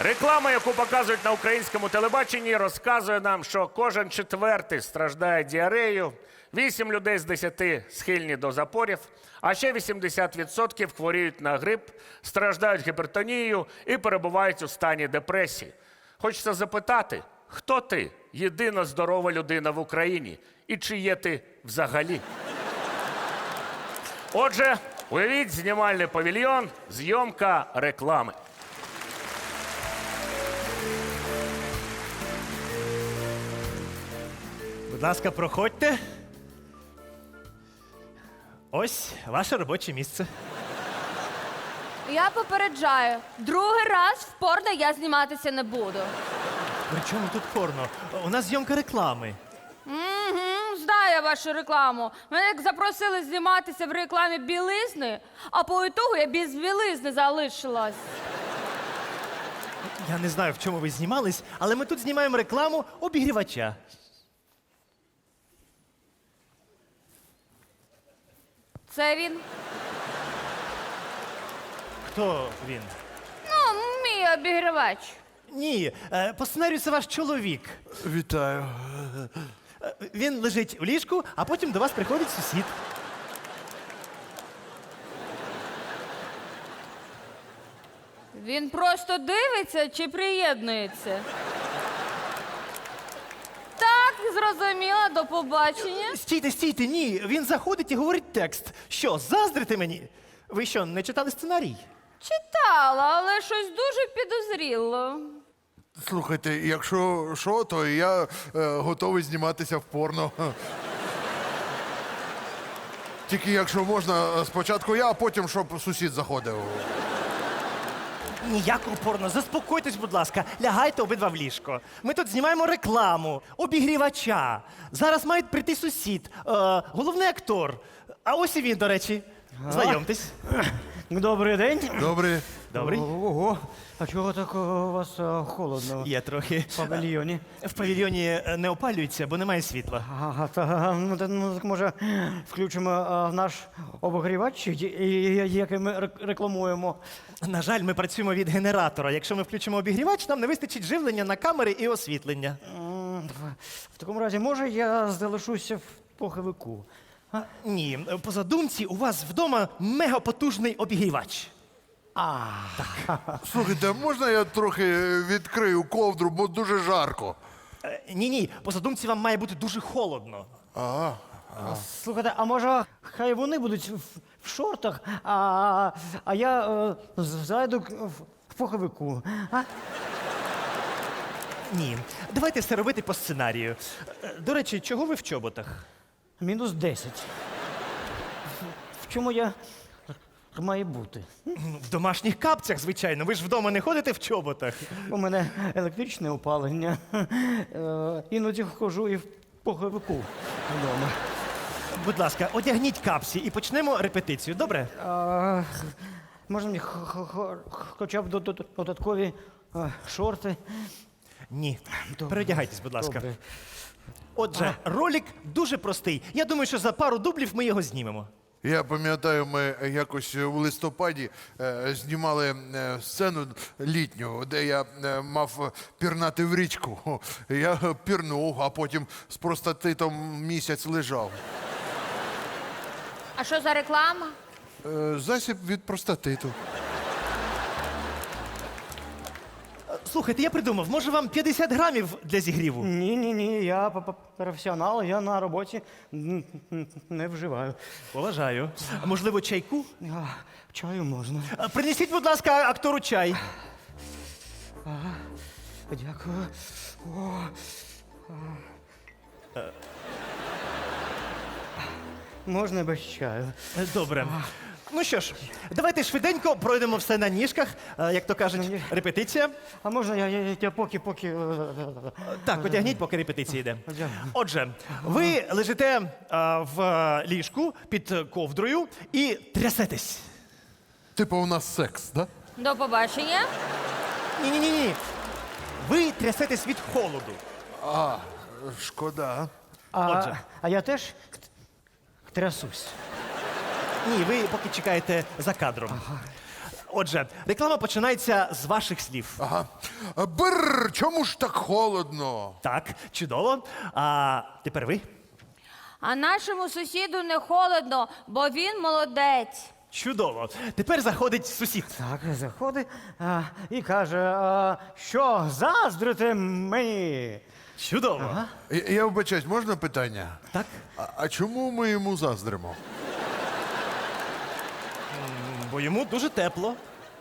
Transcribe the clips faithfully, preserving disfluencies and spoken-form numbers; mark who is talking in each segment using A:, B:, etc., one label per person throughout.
A: Реклама, яку показують на українському телебаченні, розказує нам, що кожен четвертий страждає діареєю, вісім людей з десяти схильні до запорів, а ще вісімдесят відсотків хворіють на грип, страждають гіпертонією і перебувають у стані депресії. Хочеться запитати, хто ти, єдина здорова людина в Україні, і чи є ти взагалі? Отже, уявіть знімальний павільйон, зйомка реклами.
B: Будь ласка, проходьте. Ось ваше робоче місце.
C: Я попереджаю, другий раз в порно я зніматися не буду.
B: При чому тут порно? У нас зйомка реклами.
C: Угу, знаю я вашу рекламу. Мене як запросили зніматися в рекламі білизни, а по ітогу я без білизни залишилась.
B: Я не знаю, в чому ви знімались, але ми тут знімаємо рекламу обігрівача.
C: Це він?
B: Хто він?
C: Ну, мій обігрівач.
B: Ні, е, по сценарію це ваш чоловік.
D: Вітаю.
B: Е, Він лежить у ліжку, а потім до вас приходить сусід.
C: Він просто дивиться чи приєднується? Так, зрозуміла, до побачення.
B: Стійте, стійте, ні. Він заходить і говорить текст. Що, заздрите мені? Ви що, не читали сценарій?
C: Читала, але щось дуже підозріло.
D: Слухайте, якщо що, то я е, готовий зніматися в порно. Тільки якщо можна, спочатку я, а потім, щоб сусід заходив.
B: Ніякого порно. Заспокойтесь, будь ласка. Лягайте обидва в ліжко. Ми тут знімаємо рекламу, обігрівача. Зараз має прийти сусід, е, головний актор. А ось і він, до речі. Знайомтесь.
E: Добрий день.
D: Добре.
B: Добрий.
E: Ого. А чого так у вас е, холодно
B: Є трохи.
E: в павільйоні?
B: В павільйоні е, не опалюється, бо немає світла.
E: Ага, та, ну, та, ну, так може включимо е, наш обогрівач, і- і- який ми рек- рекламуємо.
B: На жаль, ми працюємо від генератора. Якщо ми включимо обігрівач, нам не вистачить живлення на камери і освітлення.
E: М, в- В такому разі, може, я залишуся в поховику.
B: А, ні, по задумці у вас вдома мегапотужний обігрівач.
D: Слухайте, а можна я трохи відкрию ковдру, бо дуже жарко.
B: Е, Ні, ні, по задумці вам має бути дуже холодно.
D: Ага.
E: Слухайте, а може, хай вони будуть в, в шортах, а, а я е, з- зайду к- в, в поховику. А?
B: Ні, давайте все робити по сценарію. Е, До речі, чого ви в чоботах?
E: Мінус десять. В чому я маю бути?
B: Ну, В домашніх капцях, звичайно. Ви ж вдома не ходите в чоботах.
E: У мене електричне опалення. Е, Іноді хожу і в поховику вдома.
B: Будь ласка, одягніть капці і почнемо репетицію, добре?
E: А, можна мені х- х- х- хоча б до- до- додаткові е, шорти?
B: Ні.
E: Добре.
B: Переодягайтесь, будь ласка.
E: Добре.
B: Отже, ролик дуже простий. Я думаю, що за пару дублів ми його знімемо.
D: Я пам'ятаю, ми якось у листопаді е, знімали е, сцену літню, де я е, мав пірнати в річку. Я пірнув, а потім з простатитом місяць лежав.
C: А що за реклама?
D: Е, засіб від простатиту.
B: Е, Слухайте, я придумав, може вам п'ятдесят грамів для зігріву?
E: Ні, ні, ні, я п- п- професіонал, я на роботі н- н- не вживаю.
B: Поважаю. А можливо, чайку?
E: А, чаю можна.
B: Е, Принесіть, будь ласка, актору чай.
E: Дякую. О, а. Можна без чаю.
B: Е, Добре. Ну що ж, давайте швиденько пройдемо все на ніжках, е, як то кажуть, репетиція.
E: А можна я, я, я поки, поки. е,
B: Так, одягніть, поки репетиція йде.
E: Одягну.
B: Отже, ви лежите е, в е, ліжку під ковдрою і трясетесь.
D: Типу у нас секс, да?
C: До побачення.
B: Ні-ні-ні. ні. Ви трясетесь від холоду.
D: А, шкода.
E: А,
B: Отже.
E: а я теж трясусь.
B: Ні, ви поки чекаєте за кадром. Отже, реклама починається з ваших слів.
D: Ага. Бррр, чому ж так холодно?
B: Так, чудово. А тепер ви.
C: А нашому сусіду не холодно, бо він молодець.
B: Чудово. Тепер заходить сусід.
E: Так, заходить а, і каже, а, що заздрите мені?
B: Чудово.
D: Я, я вибачаюсь, можна питання?
B: Так.
D: А, а чому ми йому заздримо?
B: Бо йому дуже тепло.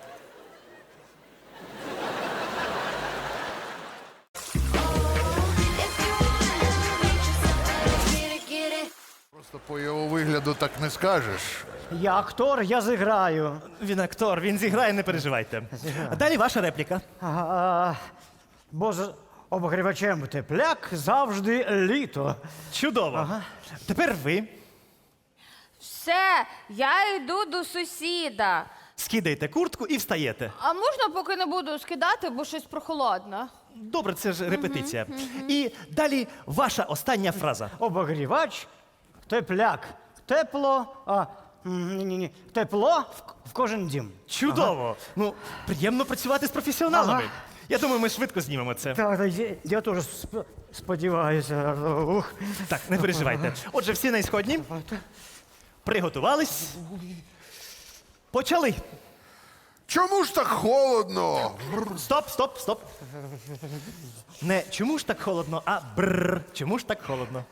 D: Просто по його вигляду так не скажеш.
E: Я актор, я зіграю.
B: Він актор, він зіграє, не переживайте. А далі ваша репліка.
E: А, а, бо з обогрівачем тепляк завжди літо.
B: Чудово. Тепер ви
C: Все, я йду до сусіда.
B: скидаєте куртку і встаєте.
C: А можна поки не буду скидати, бо щось прохолодно?
B: Добре, це ж репетиція. І далі ваша остання фраза.
E: Обогрівач, тепляк, тепло, а, ні, ні, ні, тепло в, в кожен дім.
B: Чудово. Ну, приємно працювати з професіоналами.
E: Ага.
B: Я думаю, ми швидко знімемо це.
E: Так, так, я, я теж сп- сподіваюся. Ух.
B: Так, не переживайте. Отже, всі на ісходні. Приготувались. Почали.
D: Чому ж так холодно?
B: Стоп, стоп, стоп. Не чому ж так холодно, а бррр. Чому ж так холодно?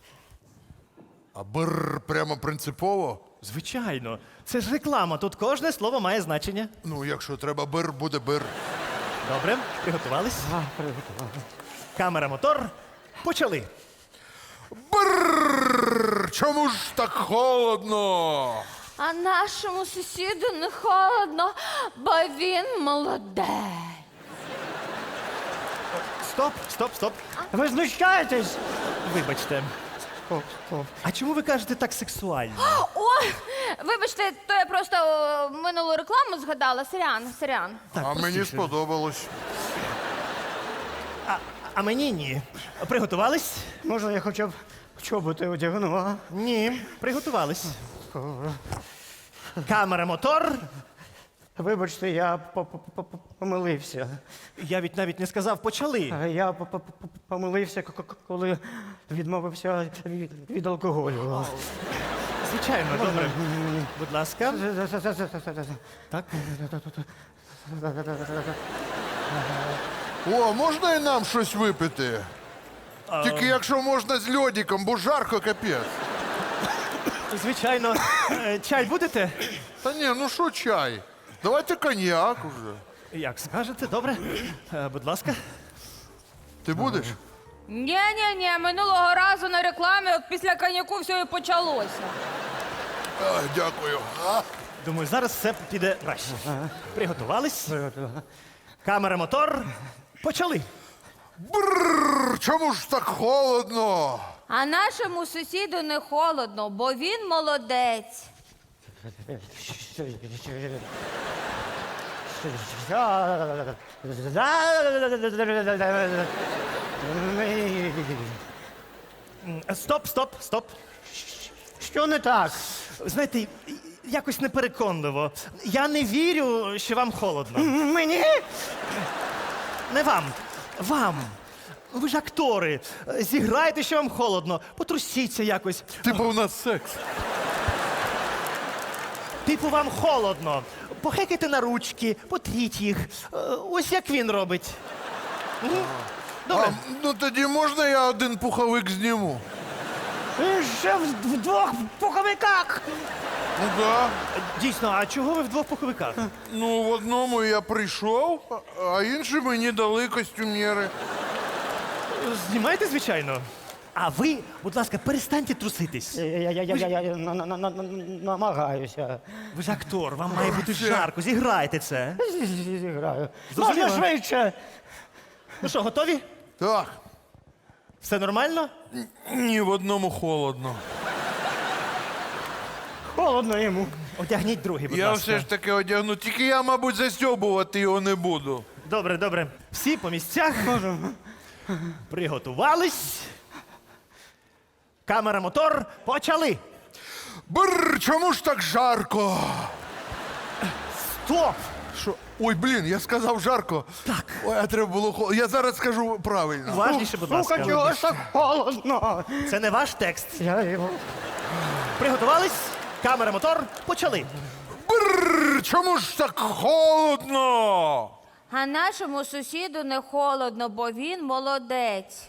D: А бррр прямо принципово?
B: Звичайно. Це ж реклама. Тут кожне слово має значення.
D: Ну, якщо треба бир, буде бир.
B: Добре, приготувались. Камера, мотор. Почали.
D: Бррр, чому ж так холодно?
C: А нашому сусіду не холодно, бо він молодець.
B: Стоп, стоп, стоп.
E: Ви знущаєтесь?
B: Вибачте. А чому ви кажете так сексуально?
C: Ой, вибачте, то я просто о, минулу рекламу згадала. Сорян, сорян.
B: Так,
D: А мені
B: простіше.
D: сподобалось.
B: А, а мені ні. Приготувались?
E: Можна я хоча б чоботи одягну, а?
B: Ні. Приготувались. Камера, мотор.
E: Вибачте, я по- по- по- по- помилився.
B: Я від навіть не сказав, почали.
E: А Я по- по- по- помилився, к- к- коли відмовився від, від алкоголю.
B: Звичайно, добре. Будь ласка. Так.
D: О, можна і нам щось випити? Тільки якщо можна з льодиком, бо жарко капець.
B: Звичайно. Е, Чай будете?
D: Та ні, ну що чай? Давайте коньяк уже.
B: Як скажете, добре. Е, Будь ласка.
D: Ти будеш?
C: Ні-ні-ні, минулого разу на рекламі от після коньяку все і почалося.
D: А, дякую. А?
B: Думаю, зараз все піде краще. Приготувались. Камера, мотор. Почали.
D: Бррр, чому ж так холодно?
C: А нашому сусіду не холодно, бо він молодець.
B: М, Стоп, стоп, стоп.
E: Що не так?
B: Знаєте, якось непереконливо. Я не вірю, що вам холодно.
E: Мені?
B: Не вам. Вам. Ви ж актори. Зіграйте, що вам холодно. Потрусіться якось.
D: Типу у нас секс.
B: Типу, вам холодно. Похекайте на ручки, потріть їх. Е, Ось як він робить. М? Добре.
D: А, ну тоді можна я один пуховик зніму?
E: Ви ще в, в двох пуховиках.
D: Ну да.
B: Дійсно, а чого ви в двох пуховиках?
D: Ну, в одному я прийшов, а- а інші мені дали костюмєри.
B: Знімайте, звичайно. А ви, будь ласка, перестаньте труситись.
E: Я, я, я, я, я, я на- на- на- на- намагаюся.
B: Ви ж актор, вам має бути жарко. Зіграйте це.
E: Зіграю.
B: Зрозуміло.
E: Можна швидше.
B: Ну що, готові?
D: Так.
B: Все нормально?
D: Ні, в одному холодно.
E: Холодно йому.
B: Одягніть другий, будь
D: Я
B: ласка.
D: все ж таки одягну, тільки я, мабуть, застьобувати його не буду.
B: Добре, добре. Всі по місцях. Приготувались. Камера, мотор. Почали.
D: Бррр, чому ж так жарко?
B: Стоп!
D: Що? Ой, блін, я сказав жарко. Так. Ой, а треба було холодно. Я зараз скажу правильно.
B: Уважніше, будь
E: Сука,
B: ласка.
E: чого ж так холодно?
B: Це не ваш текст.
E: Я його...
B: Приготувались? Камера, мотор, почали.
D: Бррр, чому ж так холодно?
C: А нашому сусіду не холодно, бо він молодець.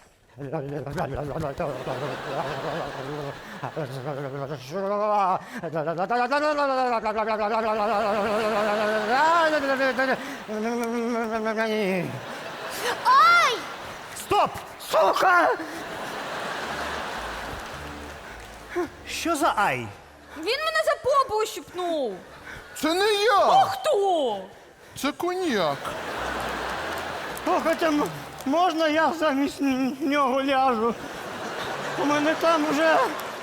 B: Стоп!
E: Сука!
B: Що за ай?
C: Він мене за попу ущипнув.
D: Це не я,
C: Хто?
D: це коньяк.
E: Слухайте, м- можна я замість н- нього ляжу? У мене там вже...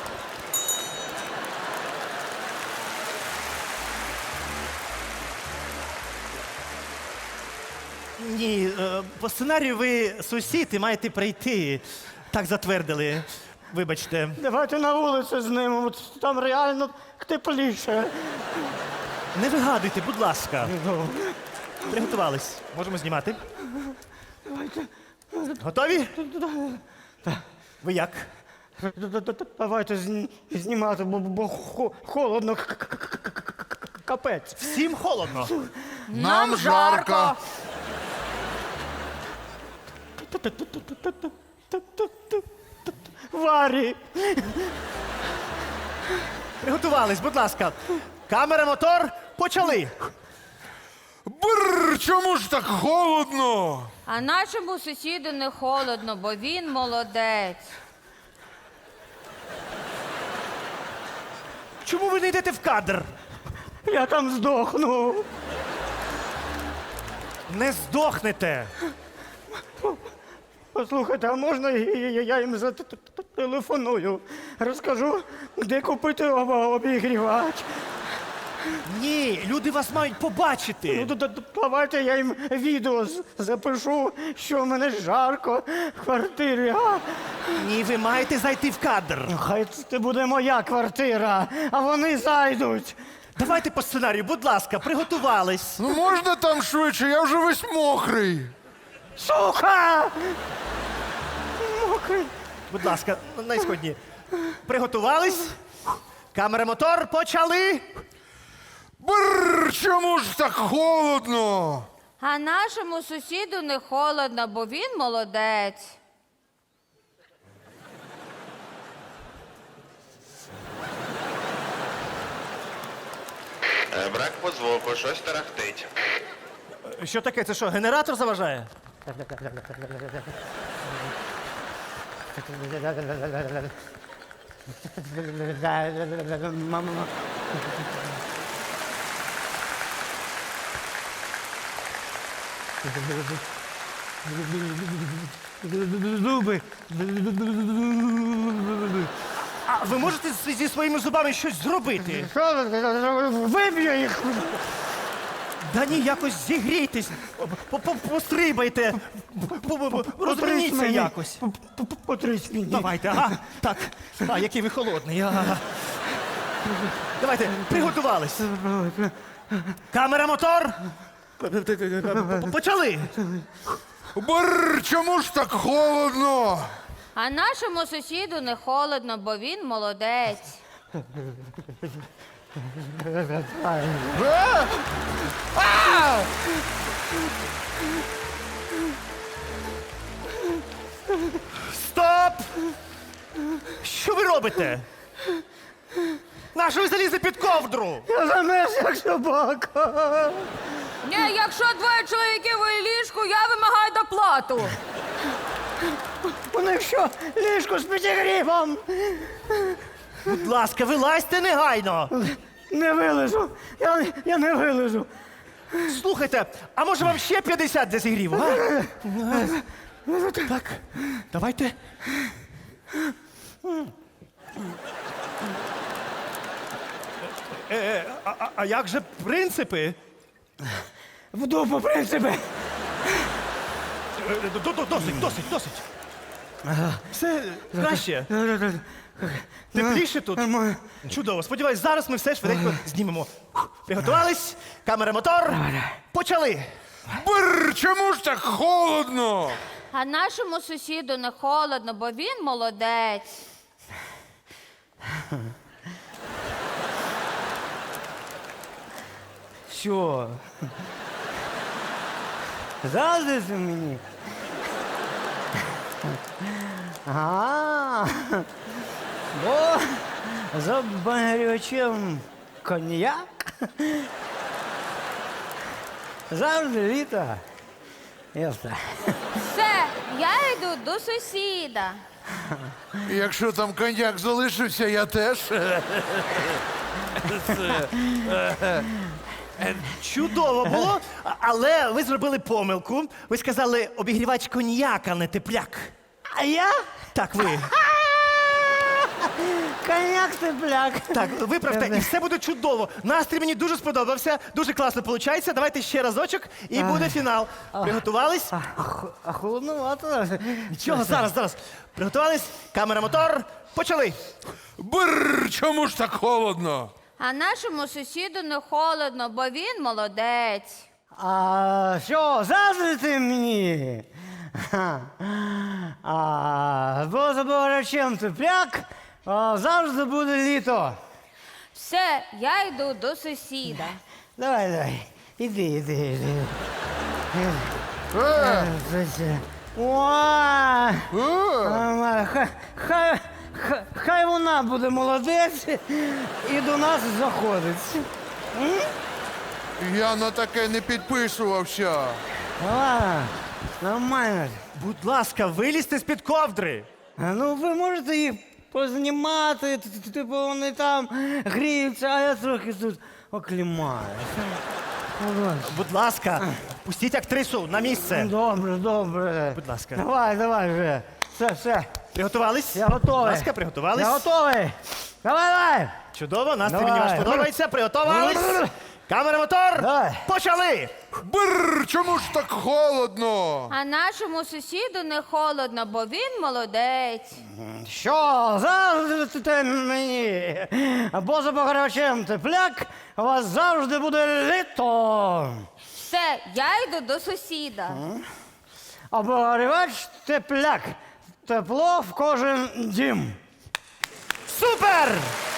B: Ні, е, по сценарію ви сусід і маєте прийти. Так затвердили. Вибачте.
E: Давайте на вулицю з ним, от там реально тепліше.
B: Не вигадуйте, будь ласка. Приготувались. Можемо знімати. Готові? Ви як?
E: Давайте зні- знімати, бо, бо хо- холодно, к- к- к- к- к- капець.
B: Всім холодно.
D: Нам жарко.
E: Варі!
B: Приготувались, будь ласка. Камера, мотор, почали.
D: Бррр, чому ж так холодно?
C: А нашому сусіду не холодно, бо він молодець.
B: Чому ви не йдете в кадр?
E: Я там здохну.
B: Не здохнете.
E: Послухайте, а можна я, я- я їм зателефоную? Розкажу, де купити об- обігрівач.
B: Ні, люди вас мають побачити.
E: Ну, д- д- давайте я їм відео з- запишу, що в мене жарко в квартирі. А?
B: Ні, ви маєте зайти в кадр.
E: Хай це буде моя квартира, а вони зайдуть.
B: Давайте по сценарію, будь ласка, приготувались.
D: Ну можна там швидше, я вже весь мокрий.
E: Сука! Мокрий.
B: Будь ласка, найсходні. Приготувались? Камера, мотор, почали.
D: Бррр, чому ж так холодно?
C: А нашому сусіду не холодно, бо він молодець.
F: Е, Брак по звуку, щось тарахтить.
B: Що таке? Це що, генератор заважає?
E: Мама. Зуби.
B: А ви можете з- зі своїми зубами щось зробити?
E: Що ви? Виб'ю їх.
B: Да ні, якось зігрійтесь, по- по- пострибайте, по- по- по- розверніться
E: мені.
B: якось.
E: П- п- п- Потрись мені.
B: Давайте, ага. Так. А, який ви холодний. Ага. Давайте, приготувались. Камера, мотор. Почали.
D: Бррр, чому ж так холодно?
C: А нашому сусіду не холодно, бо він молодець.
B: Стоп! Що ви робите? Нащо ви залізли під ковдру?
E: Я замерз, як собака.
C: Ні, якщо двоє чоловіків у ліжку, я вимагаю доплату.
E: У них що, ліжко з підігрівом?
B: Будь ласка, вилазьте негайно.
E: Не вилежу. Я, я не вилежу.
B: Слухайте, а може вам ще п'ятдесят для зігріву, а? Так, давайте. Е, е, а, а- а як же принципи?
E: В дупу, принципи.
B: Е, до- до- Досить, досить, досить. Все краще. Тепліше тут?
E: Нормально.
B: Чудово. Сподіваюсь, зараз ми все швиденько знімемо. Приготувались? Камера, мотор. Почали.
D: Бррр, чому ж так холодно?
C: А нашому сусіду не холодно, бо він молодець.
E: Що? Заздрите мені? А, бо за багрючим коньяк завжди літо. Ясно.
C: Все, я йду до сусіда.
D: Якщо там коньяк залишився, я теж.
B: Чудово було, а- але ви зробили помилку. Ви сказали обігрівач коньяк, а не тепляк.
E: А я?
B: Так, ви.
E: Коньяк тепляк.
B: Так, виправте, і все буде чудово. Настрій мені дуже сподобався, дуже класно виходить. Давайте ще разочок і буде фінал. Приготувались?
E: А, х- а холодновато.
B: Нічого, зараз, зараз. Приготувались? Камера, мотор. Почали.
D: Бррр, чому ж так холодно?
C: А нашому сусіду не холодно, бо він молодець.
E: А що, заздрите мені? Ха. А, бо за багрячим тепляк а, завжди буде літо.
C: Все, я йду до сусіда.
E: Давай, давай. Іди, іди, іди.
D: Е,
E: Ой,
D: е.
E: нормально. Хай, хай, хай, хай вона буде молодець і до нас заходить.
D: Я на таке не підписувався.
E: Ладно, нормально.
B: Будь ласка, вилізьте з-під ковдри.
E: А, ну ви можете їх познімати, т- т- типу вони там гріються, а я трохи тут оклімаю. Ну, добре.
B: Будь ласка, пустіть актрису на місце.
E: Добре, добре.
B: Будь ласка.
E: Давай, давай вже. Все, все.
B: Приготувались?
E: Я готовий.
B: Будь ласка, приготувались?
E: Я готовий. Давай, давай.
B: Чудово, настрій
E: Давай.
B: мені ваш подобається. Приготувались? Камера, мотор.
E: Давай.
B: Почали.
D: Бррр, чому ж так холодно?
C: А нашому сусіду не холодно, бо він молодець.
E: Що, завжди мені? Бо за багрячим тепляк у вас завжди буде літо.
C: Все, я йду до сусіда.
E: Обогрівач тепляк. Тепло в кожен дім.
B: Супер!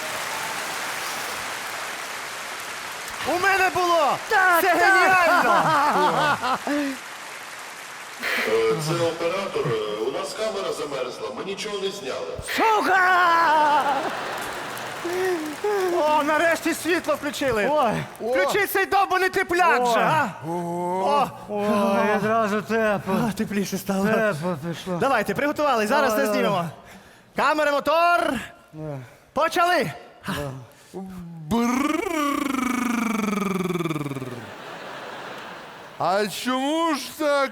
B: У мене було!
E: Так,
B: Це
E: так.
B: геніально!
G: Е, Це оператор. Е, У нас камера замерзла, ми нічого не зняли.
E: Сука!
B: О, нарешті світло включили!
E: Ой,
B: Включіть цей довбаний тепляк
E: Ой.
B: же, а? О,
E: ой, одразу тепло.
B: а, тепліше стало.
E: Тепло пішло.
B: Давайте, приготувались, зараз
E: Давай,
B: все
E: давай.
B: знімемо. Камера, мотор. Почали!
D: Бррр. А чому ж так?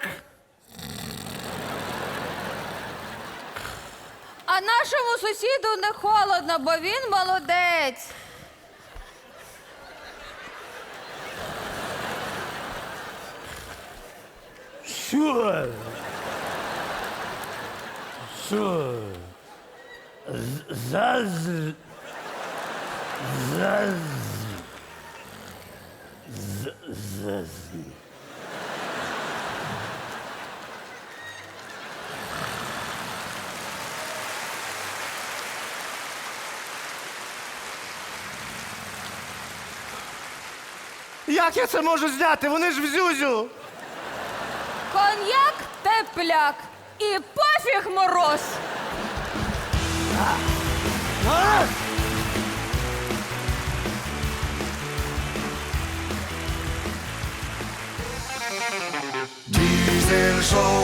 C: А нашому сусіду не холодно, бо він молодець.
E: Що? Що? Заз... Заз... Заз...
B: Як я це можу зняти? Вони ж в зюзю!
C: Коньяк тепляк і пофіг мороз.
H: Diesel Show.